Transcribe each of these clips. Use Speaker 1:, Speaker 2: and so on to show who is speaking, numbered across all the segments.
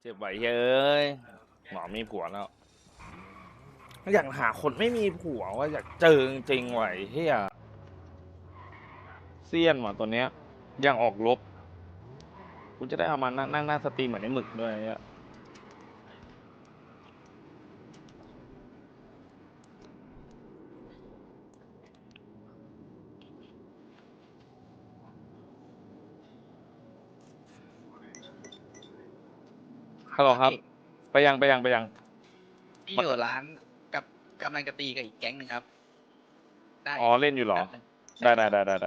Speaker 1: เจ็บไหวเฮ้ยหมอมีผัวแล้วอยากหาคนไม่มีผัวว่าอยากเจอจริงๆไหวเฮียเซียนว่ะตัวเนี้ยยังออกลบกูจะได้เอามานั่งหน้าสตรีมเหมือนไอ้หมึกด้วยเนี่ยฮัลโหลครับไปยัง
Speaker 2: พี่อยู่ร้านกับกำลังจะตีกับอีกแก๊งหนึ่งครับได้
Speaker 1: อ๋อเล่นอยู่เหรอ
Speaker 2: แป๊บนึง
Speaker 1: ได้
Speaker 2: ใช่ครับ
Speaker 1: ได้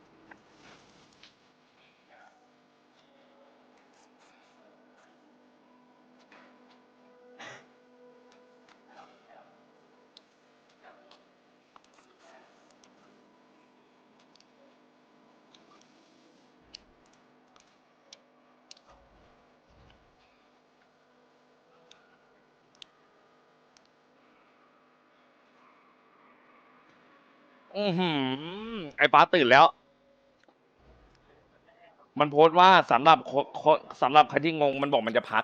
Speaker 1: ไอ้ป้าตื่นแล้ว มันโพสต์ว่าสำหรับสำหรับใครที่งงมันบอกมันจะพัก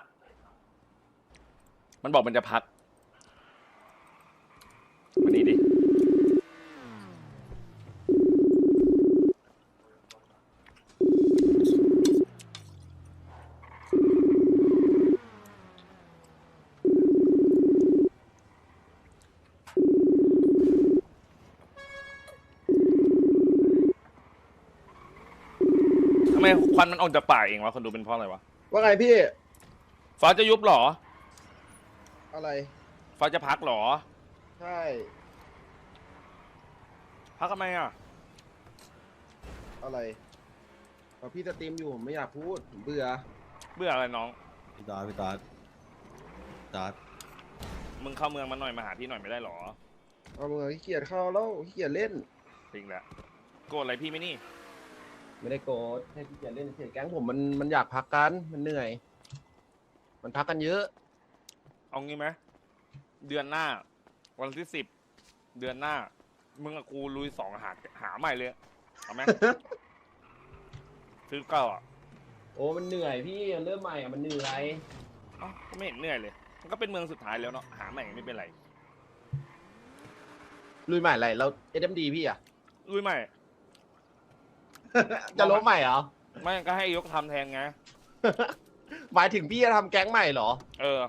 Speaker 1: มันบอกมันจะพักวันนี้ดิทำไมควันมันออกจากปากเองวะคนดูเป็นเพราะอะไรวะ
Speaker 3: ว่าไงพี่
Speaker 1: ฟ้าจะยุบเหรอ
Speaker 3: อะไร
Speaker 1: ฟ้าจะพักเหรอ
Speaker 3: ใช่
Speaker 1: พักทำไมอ่ะ
Speaker 3: อะไรพอพี่สตรีมอยู่ผมไม่อยากพูดผมเบื่อ
Speaker 1: เบื่ออะไรน้อง
Speaker 4: พี่ตาด
Speaker 1: มึงเข้าเมืองมาหน่อยมาหาพี่หน่อยไม่ได้เหรอ
Speaker 3: เอาเมื่อขี้เกียจเข้าแล้วขี้เกียจเล่น
Speaker 1: จริงแหละ โกรธอะไรพี่ไหมนี่
Speaker 3: ไม่ได้โกรธแค่ขี้เกียจเล่นเฉยแก๊งผมมันอยากพักกันมันเหนื่อย มันพักกันเยอะ
Speaker 1: เอางี้ไหมเดือนหน้า วันที่10 เดือนหน้า มึงกับกูลุย2หาใหม่เลย เอาไหม ซื้อเก้าอ่ะ
Speaker 3: โอ้มันเหนื่อยพี่เริ่มใหม่อ่ะมันเหนื่อย
Speaker 1: เอ้าก็ไม่เห็นเหนื่อยเลย มันก็เป็นเมืองสุดท้ายแล้วเนาะ หาใหม่ไม่เป็นไร
Speaker 3: ลุยใหม่อะไรเราเอ็มดีพี่อ่ะ
Speaker 1: ลุยใหม่
Speaker 3: จะล้มใหม่เหรอ
Speaker 1: ไม่ก็ให้ยกทำแทนไง
Speaker 3: หมายถึงพี่จะทำแก๊งใหม่เหรอ
Speaker 1: เออ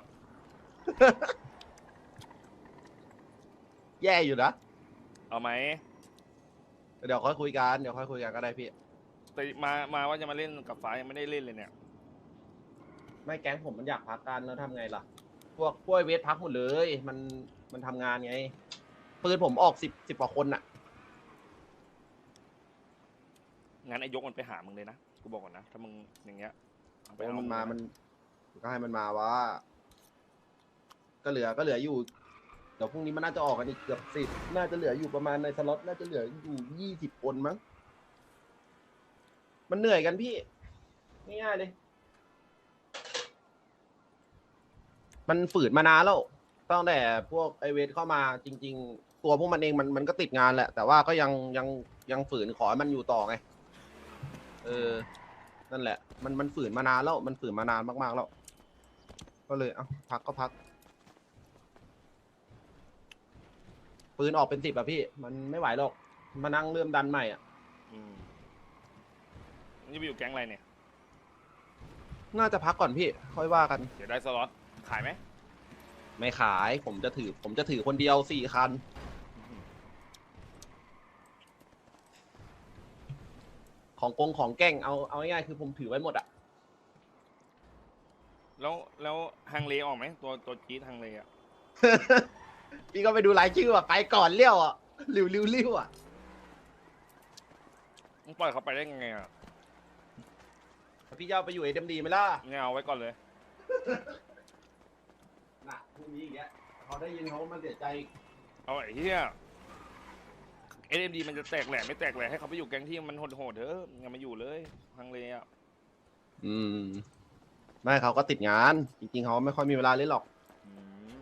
Speaker 3: แย่อยู่นะ
Speaker 1: เอาไหม
Speaker 3: เดี๋ยวค่อยคุยกันเดี๋ยวค่อยคุยกันก็ได้พี่
Speaker 1: แต่มาว่าจะมาเล่นกับฟ้ายังไม่ได้เล่นเลยเนี่ย
Speaker 3: ไม่แก๊งผมมันอยากพักกันแล้วทำไงล่ะ พวกไอ้เวทพักหมดเลย มันทำงานไงปืนผมออกสิบกว่าคนน่ะ
Speaker 1: งั้นไอ้ยกมันไปหามึงเลยนะ กูบอกก่อนนะ ถ้ามึงอย่างเงี้ยเอาไป
Speaker 3: โอ้
Speaker 1: เอา
Speaker 3: มัน
Speaker 1: มึง
Speaker 3: มา
Speaker 1: นะ
Speaker 3: มันก็ให้มันมาว่า ก็เหลืออยู่ เดี๋ยวพรุ่งนี้มันน่าจะออกกันอีกเกือบ10น่าจะเหลืออยู่ประมาณในสล็อตน่าจะเหลืออยู่20 คนมั้ง มันเหนื่อยกันพี่ง่ายๆเลย มันฝืนมานานแล้วตั้งแต่พวกไอเวทเข้ามาจริง ๆ ตัวพวกมันเองมันก็ติดงานแหละ แต่ว่าก็ยังฝืนขอให้มันอยู่ต่อไง เออ นั่นแหละ มันฝืนมานานแล้ว มันฝืนมานานมากๆแล้ว ก็เลย เอ้าพักก็พัก ปืนออกเป็น10อะพี่ มันไม่ไหวหรอก มานั่งเริ่มดันใหม่อ่ะ
Speaker 1: อืมนี่ไปอยู่แก๊งอะไรเนี่ย
Speaker 3: น่าจะพักก่อนพี่ ค่อยว่ากัน
Speaker 1: เดี๋ยวได้สล็อต ขายไหม
Speaker 3: ไม่ขาย ผมจะถือคนเดียว4 คัน ของแกล้งเอาง่ายๆคือผมถือไว้หมดอ่ะ
Speaker 1: แล้วฮังเลออกไหมตัวจี๊ดฮังเลอ่ะ
Speaker 3: พี่ก็ไปดูรายชื่ออ่ะ ไปก่อนเลี้ยวอ่ะริ้วอ่ะ
Speaker 1: มึงปล่อยเขาไปได้ไงอ่ะ
Speaker 3: พี่จะเอาไปอยู่เอ็มดีไหมล่ะ
Speaker 1: เนี่ยเอาไว้ก่อนเลย
Speaker 3: น่ะพรุ่งนี้อีกแล้วเขาได้ยินเขามันเสียใจ
Speaker 1: เอาไอ้เหี้ย SMD มันจะแตกแหลกไม่แตกแหลกให้เขาไปอยู่แก๊งที่มันโหดๆเถอะอย่ามาอยู่เลยฮังเลอ่ะ
Speaker 3: อืม ไม่เขาก็ติดงาน จริงๆเขาไม่ค่อยมีเวลาเล่นหรอก
Speaker 1: อืม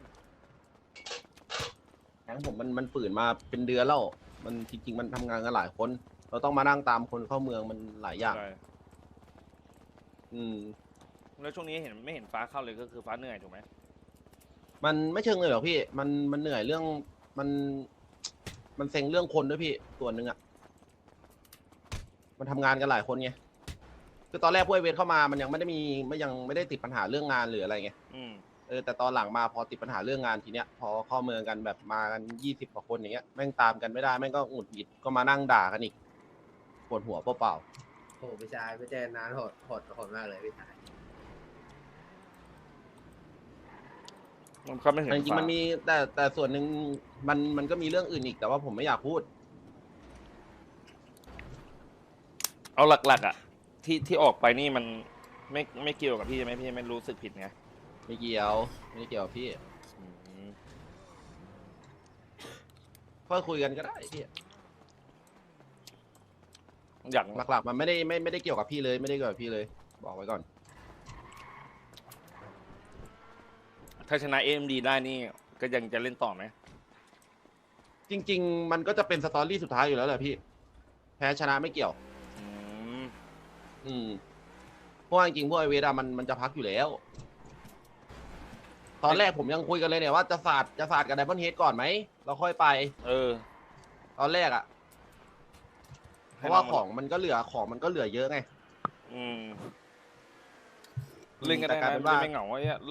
Speaker 3: แก๊งผมมันฝืนมาเป็นเดือนแล้ว มันจริงๆมันทำงานกันหลายคน เราต้องมานั่งตามคนเข้าเมืองมันหลายอย่าง
Speaker 1: ใช่
Speaker 3: อืม
Speaker 1: แล้วช่วงนี้เห็นไม่เห็นฟ้าเข้าเลยก็คือฟ้าเหนื่อยถูกไหม
Speaker 3: มันไม่เชิงเลยหรอกพี่ มันเหนื่อยเรื่องมัน มันเซ็งเรื่องคนด้วยพี่ส่วนหนึ่งอ่ะมันทำงานกันหลายคนไงคือตอนแรกพวกไอเวทเข้ามามันยังไม่ได้มียังไม่ได้ติดปัญหาเรื่องงานหรืออะไรไง
Speaker 1: อืม
Speaker 3: แต่ตอนหลังมาพอติดปัญหาเรื่องงานทีเนี้ยพอเข้าเมืองกันแบบมากัน20 กว่าคนอย่างเงี้ยแม่งตามกันไม่ได้แม่งก็หงุดหงิดก็มานั่งด่ากันอีกปวดหัวเปล่า
Speaker 5: โอ้พี่ชายไม่เจอนานโหดมากเลยพี่ชาย
Speaker 1: มันก็ไม่เห็น
Speaker 3: ๆจริงๆ
Speaker 1: ฟ้า
Speaker 3: มันมีแต่ส่วนหนึ่งมันก็มีเรื่องอื่นอีกแต่ว่าผมไม่อยากพูด
Speaker 1: เอาหลักๆอ่ะ ที่ออกไปนี่มันไม่เกี่ยวกับพี่ใช่ไหมพี่ไม่รู้สึกผิดไง
Speaker 3: ไม่เกี่ยวไม่ได้เกี่ยวกับพี่
Speaker 1: อืม
Speaker 3: ก็คุยกันก็ได้พี่
Speaker 1: อย่าง
Speaker 3: หลักๆมันไม่ได้เกี่ยวกับพี่เลยไม่ได้เกี่ยวกับพี่เลย บอกไว้ก่อน
Speaker 1: ถ้าชนะ AMD ได้นี่ก็ยังจะเล่นต่อไหม
Speaker 3: จริง ๆ มันก็จะเป็นสตอรี่สุดท้ายอยู่แล้วแหละพี่ แพ้ชนะไม่เกี่ยว
Speaker 1: อืม
Speaker 3: อืมเพราะว่าจริงๆพวกไอเวทอะมันจะพักอยู่แล้ว ตอนแรกผมยังคุยกันเลยเนี่ยว่าจะสาดกับไดมอนด์เฮดก่อนไหมเราค่อยไป
Speaker 1: เออ
Speaker 3: ตอนแรกอะเพราะว่าของมันก็เหลือเยอะไง
Speaker 1: อืมเล่นกัน
Speaker 3: แต่
Speaker 1: ได้
Speaker 3: กลาย
Speaker 1: นะ
Speaker 3: เป็นว่า
Speaker 1: ไม่เหงาไอ้เนี่ย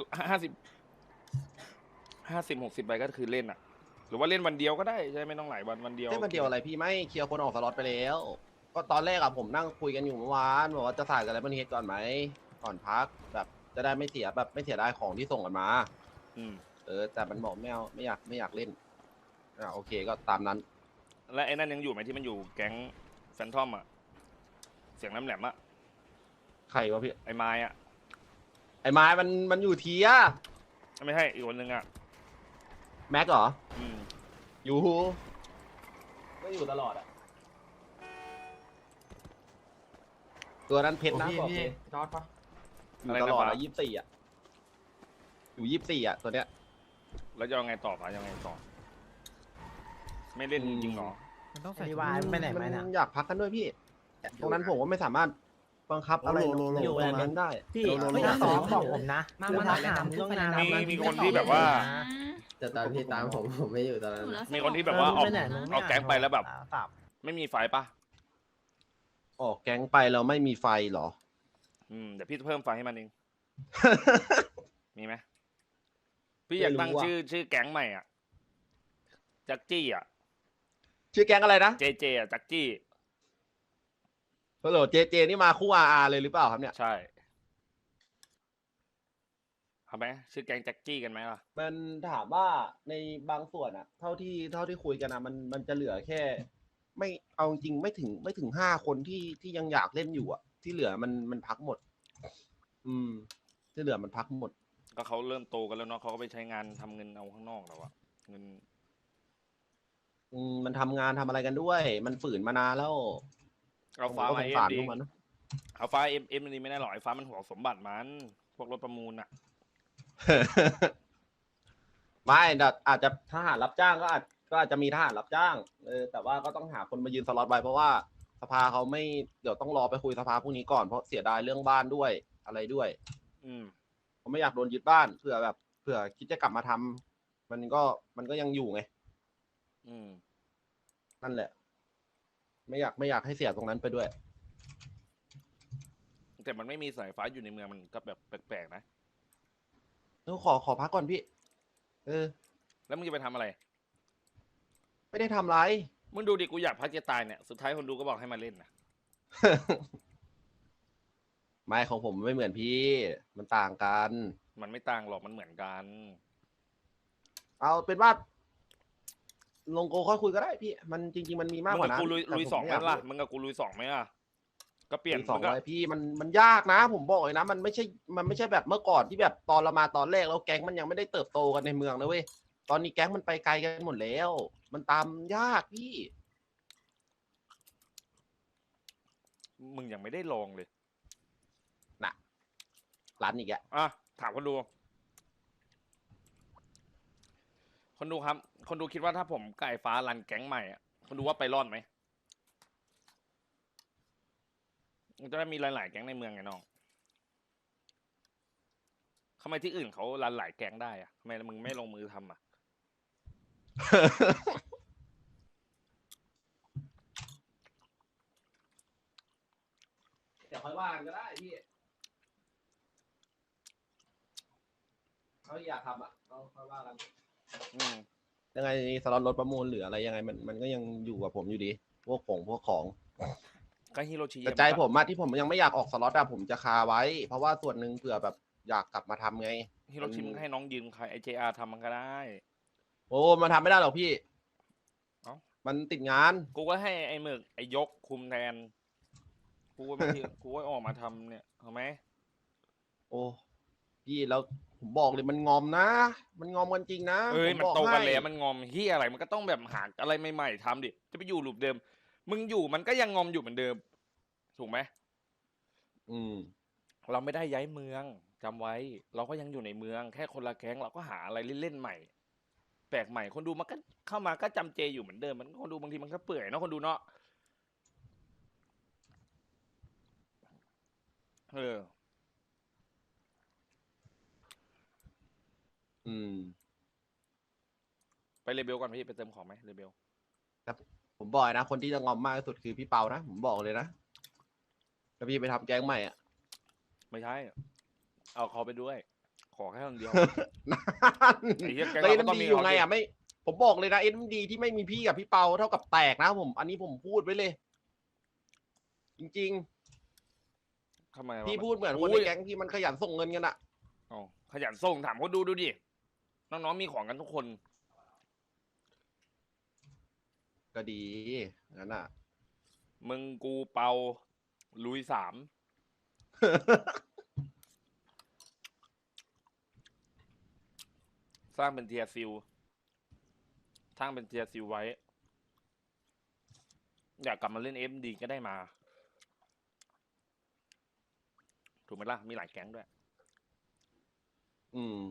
Speaker 1: 50-60ใบก็คือเล่นอ่ะ หรือว่าเล่นวันเดียวก็ได้ใช่ไหมไม่ต้องหลายวันเดียว
Speaker 3: ได้มาเดียวอะไรพี่ไม่เคลียร์คนออกสล็อตไปแล้ว ก็ตอนแรกอะผมนั่งคุยกันอยู่เมื่อวานบอกว่าจะสาดกับไดมอนด์เฮดก่อนไหมก่อนพักแบบจะได้ไม่เสียดายของที่ส่งกันมา
Speaker 1: อืม
Speaker 3: แต่มันบอกไม่เอาไม่อยากเล่นโอเคก็ตามนั้น
Speaker 1: และไอ้นั่นยังอยู่ไหมที่มันอยู่แก๊งแฟนทอมอ่ะ เสียงน้ำแหลมอ่ะ
Speaker 3: ใครวะพี่
Speaker 1: ไอ้ไม้อ่ะ
Speaker 3: ไอ้ไม้มันอยู่เทีย
Speaker 1: ไม่ใช่อีกคนนึงอ่ะ
Speaker 3: แม็กเหรอ
Speaker 1: อืม
Speaker 3: อยู่ไม่อยู่ตลอดอะตัวนั้นเพชรนะบอกเลย
Speaker 5: จอดปะ
Speaker 3: อยู่ตลอดอะ24อะอยู่24อะตัวเนี้ย
Speaker 1: แล้วจะเอาไงต่อปะยังไงต่อ ไม่เล่นจริงๆหรอ
Speaker 6: มันต้อง
Speaker 5: อั
Speaker 6: ใส่
Speaker 5: นนี้วายไปไหนไหมนะ
Speaker 3: อยากพักกันด้วยพี่ ตรงนั้นผมว่าไม่สามารถบังคับอะไร
Speaker 5: อยู่
Speaker 3: แรงได้
Speaker 5: พี่
Speaker 6: ไม่ต้องบอกผมนะ
Speaker 5: มา
Speaker 6: คือ
Speaker 5: มา
Speaker 6: ถามเรื่องงาน
Speaker 1: มีคนที่แบบว่า
Speaker 5: แต่ตอนพี่ตามผมไม่อยู่ตอนนั้น
Speaker 1: มีคนที่แบบว่าออก
Speaker 6: ไปไหน
Speaker 1: เอาแก๊งไปแล้วแบบ
Speaker 6: สับ
Speaker 1: ไม่มีไฟปะ
Speaker 3: ออกแก๊งไปแล้วไม่มีไฟเหรอ
Speaker 1: เดี๋ยวพี่เพิ่มไฟให้มันเอง มีไหมพี่อยากตั้ง
Speaker 3: ไม่รู้อะ
Speaker 1: ชื่อแก๊งใหม่อ่ะจักจี้อ่ะ
Speaker 3: ชื่อแก๊งอะไรนะ
Speaker 1: เจอ่ะจักจี้
Speaker 3: ฮัลโหลเจนี่มาคู่อาเลยหรือเปล่าครับเนี่ย
Speaker 1: ใช่เอาไหมชื่อแก๊งจักจี้กันไหมล่ะ
Speaker 3: มันถามว่าในบางส่วนอะเท่าที่คุยกันอะมันจะเหลือแค่ ไม่เอาจริงไม่ถึง5 คนที่ยังอยากเล่นอยู่อะที่เหลือมันพักหมด ที่เหลือมันพักหมด
Speaker 1: ก็เขาเริ่มโตกันแล้วเนาะเขาก็ไปใช้งานทำเงินเอาข้างนอกแล้วอะเงิน
Speaker 3: มันทำงานทำอะไรกันด้วย มันฝืนมานานแล้ว
Speaker 1: เอาฟ้า
Speaker 3: ผมก็
Speaker 1: มา
Speaker 3: ส
Speaker 1: เอ็
Speaker 3: งสาร
Speaker 1: ดี
Speaker 3: พวกมันนะ
Speaker 1: เอาฟ้าเอ็มนี่ไม่ได้หรอกไอ้ฟ้ามันห่วงสมบัติมันพวกรถประมูลอะ
Speaker 3: ไม่แต่อาจจะทหารรับจ้างก็อาจจะมีทหารรับจ้างแต่ว่าก็ต้องหาคนมายืนสล็อตไว้เพราะว่าสภาเขาไม่เดี๋ยวต้องรอไปคุยสภาพรุ่งนี้ก่อนเพราะเสียดายเรื่องบ้านด้วยอะไรด้วย
Speaker 1: อืม
Speaker 3: ผมไม่อยากโดนยึดบ้านเผื่อคิดจะกลับมาทำมันก็ยังอยู่ไง
Speaker 1: อืม
Speaker 3: นั่นแหละ ไม่อยากให้เสียตรงนั้นไปด้วย
Speaker 1: แต่มันไม่มีสายฟ้าอยู่ในเมืองมันก็แบบแปลกๆนะ
Speaker 3: ขอพักก่อนพี่
Speaker 1: แล้วมึงจะไปทำอะไร
Speaker 3: ไม่ได้ทำไร
Speaker 1: มึงดูดิกูอยากพักจะตายเนี่ยสุดท้ายคนดูก็บอกให้มาเล่นนะ
Speaker 3: ไม่ของผมไม่เหมือนพี่ มันต่างกัน
Speaker 1: มันไม่ต่างหรอกมันเหมือนกัน
Speaker 3: เอาเป็นว่า ลงโกค่อยคุยก็ได้พี่ มันจริง ๆ มันมีมาก
Speaker 1: มึง
Speaker 3: กว่า
Speaker 1: กับ
Speaker 3: นั้น
Speaker 1: กูลุย
Speaker 3: แต่
Speaker 1: ลุย
Speaker 3: ผม
Speaker 1: สองไหม
Speaker 3: ยาก
Speaker 1: ล่ะมึงกับกูลุยสองไหมล่ะก็เปลี่ยน
Speaker 3: มีสอง
Speaker 1: มึงก็
Speaker 3: ไว้พี่มันยากนะ ผมบอกเลยนะ มันไม่ใช่แบบเมื่อก่อนที่แบบตอนเรามาตอนแรกแล้วแก๊งมันยังไม่ได้เติบโตกันในเมืองนะเว้ยตอนนี้แก๊งมันไปไกลกันหมดแล้ว มันตามยากพี่
Speaker 1: มึงยังไม่ได้ลองเลย
Speaker 3: ร้านอีกแก
Speaker 1: อ่ะถามคนดู คนดูครับ คนดูคิดว่าถ้าผมไก่ฟ้ารันแก๊งใหม่อ่ะคนดูว่าไปรอดไหมมันจะได้มีหลายๆแก๊งในเมืองไงน้องทำไมที่อื่นเขารันหลายแก๊งได้อะทำไมมึงไม่ลงมือทำอะ
Speaker 3: เดี๋ยวค่อยว่ากันก็ได้พี่เขาอยากทำอ่ะเราค่อยว่ากัน
Speaker 1: อืม
Speaker 3: ยังไงสล็อตรถประมูลหรืออะไรยังไงมันก็ยังอยู่กับผมอยู่ดี พวกของ
Speaker 1: ก็ฮิโรชิ
Speaker 3: แต่ใจผมอะที่ผมยังไม่อยากออกสล็อตอะผมจะคาไว้ เพราะว่าส่วนหนึ่งเผื่อแบบอยากกลับมาทำไง
Speaker 1: ฮิโรชิมึงให้น้องยืมใครไอเจอาร์ทำมันก็ได้
Speaker 3: โอ้มาทำไม่ได้หรอกพี่
Speaker 1: เอ้า
Speaker 3: มันติดงาน
Speaker 1: กูก็ให้ไอหมึกไอยกคุมแทน กูก็มาที่ กูก็ออกมาทำเนี่ยเอาไหม
Speaker 3: โอ้พี่แล้วผมบอกเลยมันงอมนะ มันงอมกันจริงนะ
Speaker 1: เอ้ย
Speaker 3: ผ
Speaker 1: มัน
Speaker 3: บอก
Speaker 1: โตกัน
Speaker 3: ให้
Speaker 1: แล้วมันงอมเฮียอะไรมันก็ต้องแบบหาอะไรใหม่ๆทำดิจะไปอยู่หลุมเดิม มึงอยู่มันก็ยังงอมอยู่เหมือนเดิม ถูกไหม
Speaker 3: อืม
Speaker 1: เราไม่ได้ย้ายเมืองจำไว้ เราก็ยังอยู่ในเมืองแค่คนละแก๊งเราก็หาอะไรเล่นๆใหม่ แปลกใหม่คนดูมันก็เข้ามาก็จำเจอยู่เหมือนเดิมมันคนดูบางทีมันก็เปื่อยเนาะคนดูเนาะเออ
Speaker 3: อืม
Speaker 1: ไปเรเบลก่อนพี่ไปเติมของไหมเรเบล
Speaker 3: ผมบอกเลยนะ คนที่จะงอมมากที่สุดคือพี่เปานะ ผมบอกเลยนะถ้าพี่ไปทำแก๊งใหม่อ่ะ
Speaker 1: ไม่ใช่ เอาเขาไปด้วย ขอแค่คนเดียว
Speaker 3: นั่น
Speaker 1: ไอ้เหี้ยแก๊ง
Speaker 3: แล้ว
Speaker 1: เรา
Speaker 3: เอ็
Speaker 1: ก็ต้อง
Speaker 3: ดี
Speaker 1: มี
Speaker 3: อยู่
Speaker 1: เขา
Speaker 3: ไง
Speaker 1: ดิ
Speaker 3: อ่ะไม่ ผมบอกเลยนะเอ็ดีที่ไม่มีพี่กับพี่เปาเท่ากับแตกนะผม อันนี้ผมพูดไว้เลย จริง
Speaker 1: ทำไม
Speaker 3: ๆ
Speaker 1: วะ
Speaker 3: พี่พูดเหมือนคนในแก๊งที่มันขยันส่งเงินกันอ่ะ
Speaker 1: อ๋อขยันส่งถามเขาดูดิ น้องๆมีของกันทุกคน
Speaker 3: ก็ดีงั้นอ่ะ
Speaker 1: มึงกูเปาลุย 3 สร้างเป็นเทียร์ซิลสร้างเป็นเทียร์ซิลไว้ อยากกลับมาเล่นเอ็มดีก็ได้มา ถูกไหมล่ะ มีหลายแก๊งด้วย
Speaker 3: อืม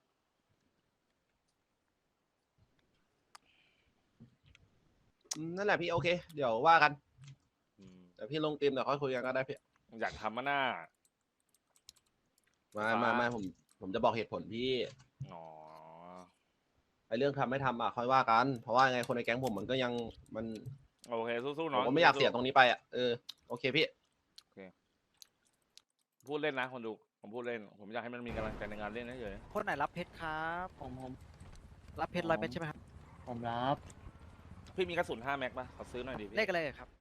Speaker 3: นั่นแหละพี่โอเค เดี๋ยวว่ากัน
Speaker 1: อืม
Speaker 3: แต่พี่ลงทีมเดี๋ยวค่อยคุยกันก็ได้พี่
Speaker 1: อยากทำมาหน้า
Speaker 3: ไม่ผมจะบอกเหตุผลพี่
Speaker 1: อ๋อ
Speaker 3: ไอเรื่องทำไม่ทำอ่ะค่อยว่ากัน เพราะว่ายังไงคนในแก๊งผมมันก็ยังมัน
Speaker 1: โอเค สู้ๆ
Speaker 3: ผ
Speaker 1: น้อ
Speaker 3: ม
Speaker 1: ง
Speaker 3: ก็ไม่อยาก
Speaker 1: สู้ๆ
Speaker 3: เสียตรงนี้ไปอ่ะโอเคพี่
Speaker 1: พูดเล่นนะคนดู ผมพูดเล่น ผมอยากให้มันมีกำลังใจในงานเล่นเฉย
Speaker 6: คนไหนรับเพชรครับผมรับเพชร100 เม็ดใช่ไหมครับ
Speaker 7: ผมรับ
Speaker 1: ๆพี่มีกระสุน5 แม็กป่ะ ขอซื้อหน่อยดิพี่
Speaker 6: เลขอะไรครับ